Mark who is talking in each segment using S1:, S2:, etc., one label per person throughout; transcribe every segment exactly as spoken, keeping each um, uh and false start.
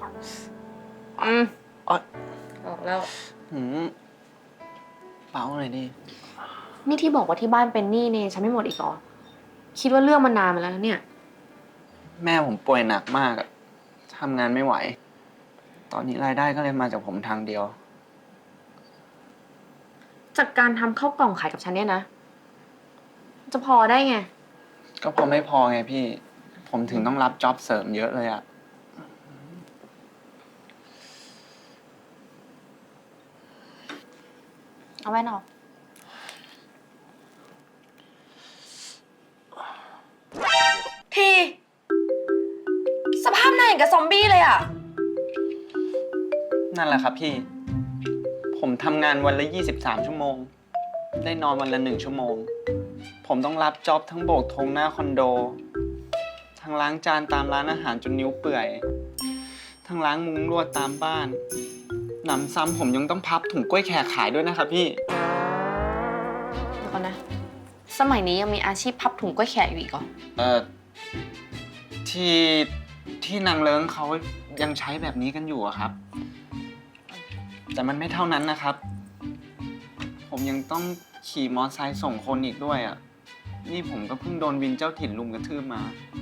S1: อืม
S2: อ๋อ
S1: ออกแล้ว
S2: หืมเปล่าหน่อยดิ
S1: นี่ที่บอกว่าที่บ้านเป็นหนี้เนี่ยฉันไม่หมดอีกเหรอ คิดว่าเรื่องมันนานมาแล้วนะเนี่ย
S2: แม่ผมป่วยหนักมากอะทำงานไม่ไหว ตอนนี้รายได้ก็เลยมาจากผมทางเดียว
S1: จากการทำข้าวกล่องขายกับฉันเนี่ยนะ จะพอได้ไง
S2: ก็พอไม่พอไงพี่ ผมถึงต้องรับจ็อบเสริมเยอะเลยอะ
S1: เอาแว่นออก ที สภาพหน้าอย่างกับซอมบี้เลยอ่ะ
S2: นั่นแหละครับพี่ ผมทำงานวันละยี่สิบสามชั่วโมง ได้นอนวันละหนึ่งชั่วโมง ผมต้องรับจ็อบทั้งโบกธงหน้าคอนโด ทั้งล้างจานตามร้านอาหารจนนิ้วเปื่อย ทั้งล้างมุ้งลวดตามบ้าน หนำซ้ำผมยังต้องพับถุงกล้วยแขกขายด้วยนะครับพี่
S1: เดี๋ยวก่อนนะ สมัยนี้ยังมีอาชีพพับถุงกล้วยแขกอยู่อีกเหรอ
S2: เอ่อ ที่ที่นางเลิ้งเขายังใช้แบบนี้กันอยู่อะครับ แต่มันไม่เท่านั้นนะครับ ผมยังต้องขี่มอเตอร์ไซค์ส่งคนอีกด้วยอะนี่ผมก็เพิ่งโดนวินเจ้าถิ่นลุมกระทืบมา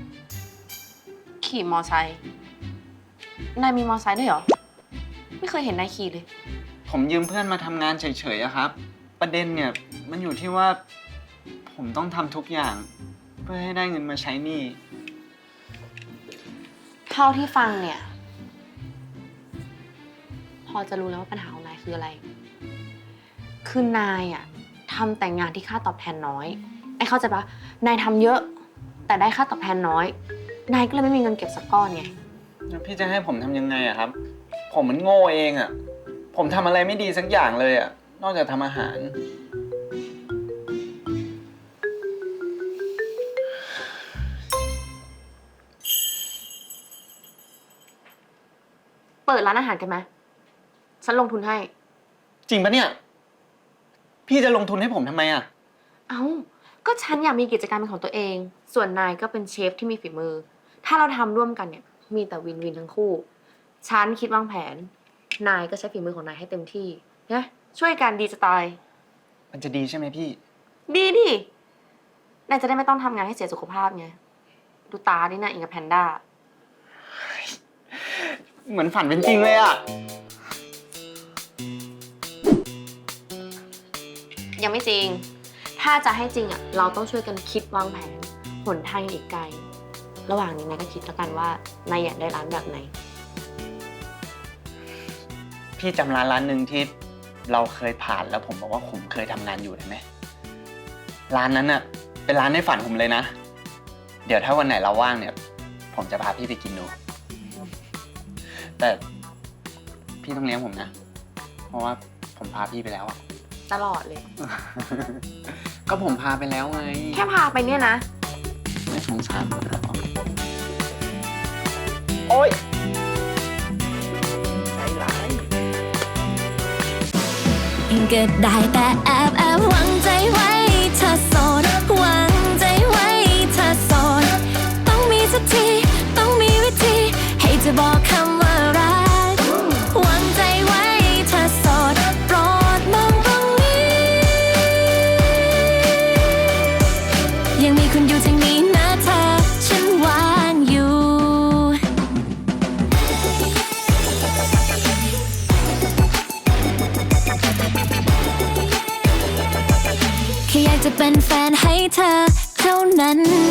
S1: ขี่มอไซค์ นายมีมอไซค์ด้วยเหรอ ไม่เคยเห็นนายขี่เลย
S2: ผมยืมเพื่อนมาทำงานเฉยๆอะครับ ประเด็นเนี่ยมันอยู่ที่ว่า ผมต้องทำทุกอย่าง เพื่อให้ได้เงินมาใช้หนี้
S1: เท่าที่ฟังเนี่ย พอจะรู้แล้วว่าปัญหาของนายคืออะไร คือนายอะทำแต่งงานที่ค่าตอบแทนน้อย ไอ้เข้าใจปะนายทำเยอะ แต่ได้ค่าตอบแทนน้อย นายก็เลยไม่มีเงินเก็บสักก้อนไง
S2: แล้วพี่จะให้ผมทำยังไงอะครับ ผมมันโง่เองอะผมทำอะไรไม่ดีสักอย่างเลยอะนอกจากทำอาหาร
S1: เปิดร้านอาหารกันไหมฉันลงทุนให้
S2: จริงปะเนี่ย พี่จะลงทุนให้ผมทำไมอะ
S1: เอ้า ก็ฉันอยากมีกิจการเป็นของตัวเอง ส่วนนายก็เป็นเชฟที่มีฝีมือ ถ้าเราทำร่วมกันเนี่ย มีแต่วินวินทั้งคู่ ฉันคิดวางแผน นายก็ใช้ฝีมือของนายให้เต็มที่นะช่วยกันดีจะตาย
S2: มันจะดีใช่ไหมพี่
S1: ดีดิ นายจะได้ไม่ต้องทำงานให้เสียสุขภาพไง ดูตาดินะอิงกับแพนด้า
S2: เหมือนฝันเป็นจริงเลยอะ
S1: ยังไม่จริง ถ้าจะให้จริงอ่ะ เราต้องช่วยกันคิดวางแผน หนทางอีกไกล ระหว่างนี้นายก็คิดแล้วกันว่านายอยากได้ร้านแบบไหน
S2: พี่จำร้านร้านหนึ่งที่เราเคยผ่านแล้วผมบอกว่าผมเคยทำงานอยู่ได้ไหม ร้านนั้นอะเป็นร้านในฝันผมเลยนะ เดี๋ยวถ้าวันไหนเราว่างเนี่ย ผมจะพาพี่ไปกินดู แต่พี่ต้องเลี้ยงผมนะ เพราะว่าผมพาพี่ไปแล้วอะ
S1: ตลอดเลย
S2: ก็ผมพาไปแล้วไง
S1: แค่พาไปเนี่ยนะ
S2: ไม่สงสารผมเหรอโอ๊ยใจร้าย
S3: ก็ได้แต่แอบแอบหวังใจไว้เธอโสดหวังใจไว้เธอโสดต้องมีสักทีต้องมีวิธีให้เธอบอกคำว่ารักหวังใจไว้เธอโสดโปรดมองตรงนี้ยังมีคุณอยู่ทางนี้นะเธอฉันวางอยู่แค่อยากจะเป็นแฟนให้เธอเท่านั้น